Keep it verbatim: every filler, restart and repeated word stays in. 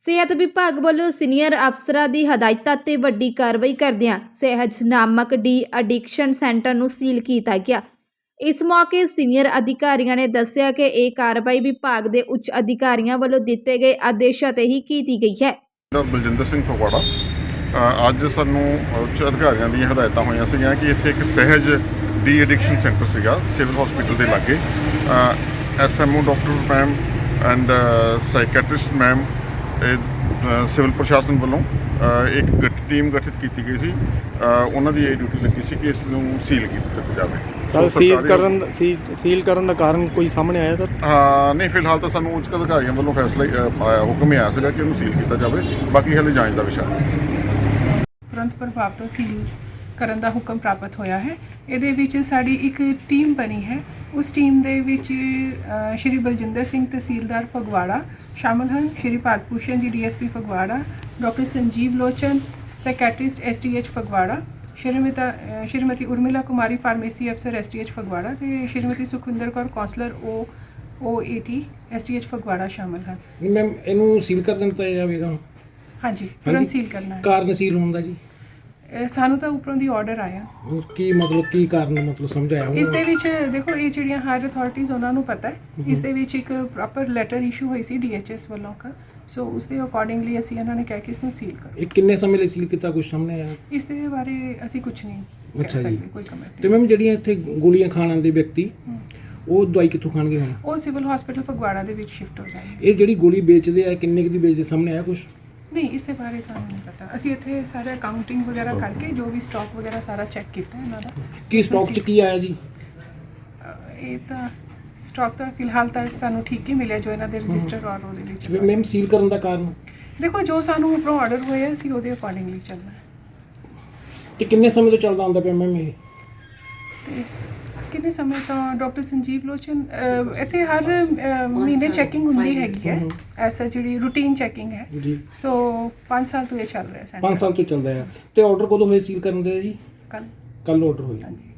ਸਿਹਤ ਵਿਭਾਗ ਵੱਲੋਂ ਸੀਨੀਅਰ ਅਫਸਰਾਂ ਦੀ ਹਦਾਇਤਾਂ ਤੇ ਵੱਡੀ ਕਾਰਵਾਈ ਕਰਦਿਆਂ ਸਹਿਜ ਨਾਮਕ ਡੀ ਐਡਿਕਸ਼ਨ ਸੈਂਟਰ ਨੂੰ ਸੀਲ ਕੀਤਾ ਗਿਆ। ਇਸ ਮੌਕੇ ਸੀਨੀਅਰ ਅਧਿਕਾਰੀਆਂ ਨੇ ਦੱਸਿਆ ਕਿ ਇਹ ਕਾਰਵਾਈ ਵਿਭਾਗ ਦੇ ਉੱਚ ਅਧਿਕਾਰੀਆਂ ਵੱਲੋਂ ਦਿੱਤੇ ਗਏ ਆਦੇਸ਼ਾਂ ਤੇ ਹੀ ਕੀਤੀ ਗਈ ਹੈ। ਬਲਜਿੰਦਰ ਸਿੰਘ ਫਗਵਾੜਾ ਅੱਜ ਸਾਨੂੰ ਉੱਚ ਅਧਿਕਾਰੀਆਂ ਦੀਆਂ ਹਦਾਇਤਾਂ ਹੋਈਆਂ ਸੀਗੀਆਂ ਕਿ ਇੱਥੇ ਇੱਕ ਸਹਿਜ ਡੀ ਐਡਿਕਸ਼ਨ ਸੈਂਟਰ ਸੀਗਾ ਸਿਵਲ ਹਸਪੀਟਲ ਦੇ ਲਾਗੇ। S M O doctor ma'am and psychiatrist ma'am civil ਪ੍ਰਸ਼ਾਸਨ ਵੱਲੋਂ ਇੱਕ ਟੀਮ ਗਠਿਤ ਕੀਤੀ ਗਈ ਸੀ। ਉਹਨਾਂ ਦੀ ਇਹ ਡਿਊਟੀ ਲੱਗੀ ਸੀ ਕਿ ਇਸ ਨੂੰ ਸੀਲ ਕੀਤਾ ਜਾਵੇ। ਸਰ ਸੀਜ਼ ਕਰਨ ਸੀਲ ਕਰਨ ਦਾ ਕਾਰਨ ਕੋਈ ਸਾਹਮਣੇ ਆਇਆ ਸਰ? ਹਾਂ ਨਹੀਂ, ਫਿਲਹਾਲ ਤਾਂ ਸਾਨੂੰ ਉੱਚ ਅਧਿਕਾਰੀਆਂ ਵੱਲੋਂ ਫੈਸਲਾ ਆਇਆ, ਹੁਕਮ ਆਇਆ ਸੀਗਾ ਕਿ ਇਹਨੂੰ ਸੀਲ ਕੀਤਾ ਜਾਵੇ। ਬਾਕੀ ਹਾਲੇ ਜਾਂਚ ਦਾ ਵਿਸ਼ਾ ਹੈ। ਤੁਰੰਤ ਪ੍ਰਭਾਵ ਤੋਂ ਸੀਲ ਕਰਨ ਦਾ ਹੁਕਮ ਪ੍ਰਾਪਤ ਹੋਇਆ ਹੈ। ਇਹਦੇ ਵਿੱਚ ਸਾਡੀ ਇੱਕ ਟੀਮ ਬਣੀ ਹੈ। ਉਸ ਟੀਮ ਦੇ ਵਿੱਚ ਸ਼੍ਰੀ ਬਲਜਿੰਦਰ ਸਿੰਘ ਤਹਿਸੀਲਦਾਰ ਫਗਵਾੜਾ ਸ਼ਾਮਲ ਹਨ, ਸ਼੍ਰੀ Bharat Bhushan ji D S P Phagwara, doctor Sanjeev Lochan psychiatrist S T H Phagwara, Shrimati Shrimati Urmila Kumari pharmacy ਅਫਸਰ ਐਸ ਟੀ ਐਚ ਫਗਵਾੜਾ ਤੇ Shrimati Sukhwinder Kaur counsellor O O A T S T H Phagwara ਸ਼ਾਮਲ ਹਨ। ਮੈਮ ਇਹਨੂੰ ਸੀਲ ਕਰ ਦਿੱਤਾ ਜਾਵੇਗਾ? ਹਾਂਜੀ, ਤੁਰੰਤ ਸੀਲ ਕਰਨਾ ਹੈ। ਕਾਰਨ ਸੀਲ ਹੋਣ ਦਾ ਜੀ? ਸਾਨੂੰ ਤਾਂ ਉੱਪਰੋਂ ਦੀ ਆਰਡਰ ਆਇਆ। ਕੀ ਮਤਲਬ ਕੀ ਕਾਰਨ ਮਤਲਬ ਸਮਝਾਇਆ? ਇਸ ਦੇ ਵਿੱਚ ਦੇਖੋ ਇਹ ਜਿਹੜੀਆਂ ਹਾਇਰ ਅਥਾਰਟੀਜ਼ ਉਹਨਾਂ ਨੂੰ ਪਤਾ ਹੈ। ਇਸ ਦੇ ਵਿੱਚ ਇੱਕ ਪ੍ਰੋਪਰ ਲੈਟਰ ਇਸ਼ੂ ਹੋਈ ਸੀ ਡੀ ਐਚ ਐਸ ਵੱਲੋਂ ਕਾ, ਸੋ ਉਸ ਦੇ ਅਕੋਰਡਿੰਗਲੀ ਅਸੀਂ ਇਹਨਾਂ ਨੇ ਕਿਹਾ ਕਿ ਇਸ ਨੂੰ ਸੀਲ ਕਰੋ। ਇਹ ਕਿੰਨੇ ਸਮੇਂ ਲਈ ਸੀਲ ਕੀਤਾ, ਕੁਝ ਸਾਹਮਣੇ ਆਇਆ? ਇਸ ਦੇ ਬਾਰੇ ਅਸੀਂ ਕੁਝ ਨਹੀਂ ਕਹਿ ਸਕਦੇ, ਕੋਈ ਕਮੈਂਟ। ਤੇ ਮੈਮ ਜਿਹੜੀਆਂ ਇੱਥੇ ਗੋਲੀਆਂ ਖਾਣ ਆਉਂਦੇ ਵਿਅਕਤੀ ਉਹ ਦਵਾਈ ਕਿੱਥੋਂ ਖਾਣਗੇ ਹੁਣ? ਉਹ ਸਿਵਲ ਹਸਪੀਟਲ ਫਗਵਾੜਾ ਦੇ ਵਿੱਚ ਸ਼ਿਫਟ ਹੋ ਜਾਣਗੇ। ਇਹ ਜਿਹੜੀ ਗੋਲੀ ਵੇਚਦੇ ਆ ਕਿੰਨੇ ਕੁ ਦੀ ਵੇਚਦੇ, ਸਾਹਮਣੇ ਆਇਆ ਕੁਝ? ਨਹੀਂ, ਇਸ ਦੇ ਬਾਰੇ ਸਾਨੂੰ ਨਹੀਂ ਪਤਾ। ਅਸੀਂ ਇੱਥੇ ਸਾਰਾ ਅਕਾਊਂਟਿੰਗ ਵਗੈਰਾ ਕਰਕੇ ਜੋ ਵੀ ਸਟਾਕ ਵਗੈਰਾ ਸਾਰਾ ਚੈੱਕ ਕੀਤਾ ਇਹਨਾਂ ਦਾ। ਕੀ ਸਟਾਕ 'ਚ ਕੀ ਆਇਆ ਜੀ? ਇਹ ਤਾਂ ਸਟਾਕ ਤਾਂ ਫਿਲਹਾਲ ਤਾਂ ਸਾਨੂੰ ਠੀਕ ਹੀ ਮਿਲਿਆ ਜੋ ਇਹਨਾਂ ਦੇ ਰਜਿਸਟਰ ਔਰ ਉਹਦੇ ਵਿੱਚ। ਮੈਮ ਸੀਲ ਕਰਨ ਦਾ ਕਾਰਨ? ਦੇਖੋ ਜੋ ਸਾਨੂੰ ਉੱਪਰੋਂ ਆਰਡਰ ਹੋਇਆ ਅਸੀਂ ਉਹਦੇ ਅਕੋਰਡਿੰਗਲੀ ਚੱਲਣਾ ਹੈ। ਤੇ ਕਿੰਨੇ ਸਮੇਂ ਤੋਂ ਚੱਲਦਾ ਹੁੰਦਾ ਪਿਆ ਮੈਮ ਇਹ? ਤੇ ਕਿੰਨੇ ਸਮੇਂ ਤੋਂ ਡਾਕਟਰ ਸੰਜੀਵ ਲੋਚਨ ਇੱਥੇ ਹਰ ਮਹੀਨੇ ਚੈਕਿੰਗ ਹੁੰਦੀ ਹੈਗੀ ਹੈ, ਐਸਾ ਜਿਹੜੀ ਰੂਟੀਨ ਚੈਕਿੰਗ ਹੈ ਜੀ। ਸੋ ਪੰਜ ਸਾਲ ਤੋਂ ਇਹ ਚੱਲ ਰਿਹਾ ਸੈਂਟਰ। ਪੰਜ ਸਾਲ ਤੋਂ ਚੱਲਦਾ ਹੈ। ਤੇ ਆਰਡਰ ਕਦੋਂ ਹੋਏ ਸੀਲ ਕਰਨ ਦੇ ਜੀ? ਕੱਲ ਕੱਲ ਆਰਡਰ ਹੋਇਆ। ਹਾਂਜੀ।